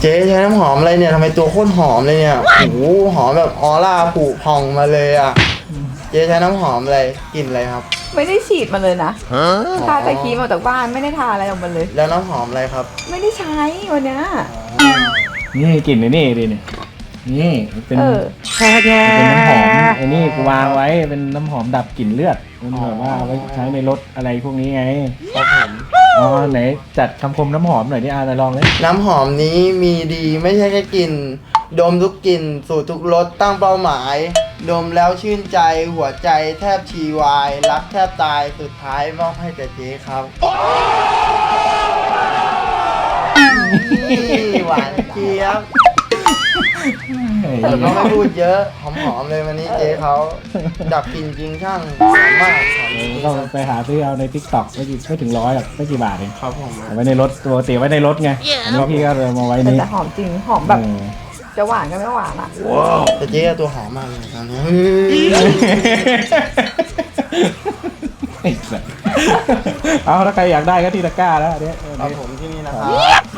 เจ๊ใช้น้ำหอมอะไรเนี่ยทำไมตัวโคตรหอมเลยเนี่ยโอ้โหหอมแบบออร่าผุพองมาเลยอ่ะเจ๊ใช้น้ำหอมอะไรกลิ่นอะไรครับไม่ได้ฉีดมาเลยนะทาแต่ครีมออกจากบ้านไม่ได้ทาอะไรออกมาเลยแล้วน้ำหอมอะไรครับไม่ได้ใช้วันเนี้ยนี่กลิ่นนี่ดินี่เป็นเออเป็นน้ำหอมไอ้นี่กูวางไว้เป็นน้ำหอมดับกลิ่นเลือดมันแบบว่าเอาไว้ใช้ในรถอะไรพวกนี้ไงครับผมอ๋อไหนจัดคำคมน้ำหอมหน่อยดิไหนลองเลยน้ำหอมนี้มีดีไม่ใช่แค่กลิ่นดมทุกกลิ่นสูตรทุกรสตั้งเป้าหมาย ดมแล้วชื่นใจหัวใจแทบชีวาย รักแทบตายสุดท้ายมอบให้แต่เจ๊ครับนี่หวานเจี๊ยบแต่ก็ไม่พูดเยอะหอมๆเลยวันนี้เจ๊เขาดับกลิ่นจริงช่างสามารถสอนจริงก็ไปหาซื้อเอาใน TikTok ไม่ถึง100หรอกไม่กี่บาทเองครับผมเอาไว้ในรถปกติไว้ในรถไงอันนี้พี่ก็เลยมาไว้นี่แต่หอมจริงหอมแบบจะหวานก็ไม่หวานอ่ะแต่เจ๊ตัวหอมมากเลยตอนนี้ไอ้สัสเอาถ้าใครอยากได้ก็ที่ตะกร้าแล้วอันเนี้ยครับผมที่นี่นะครับ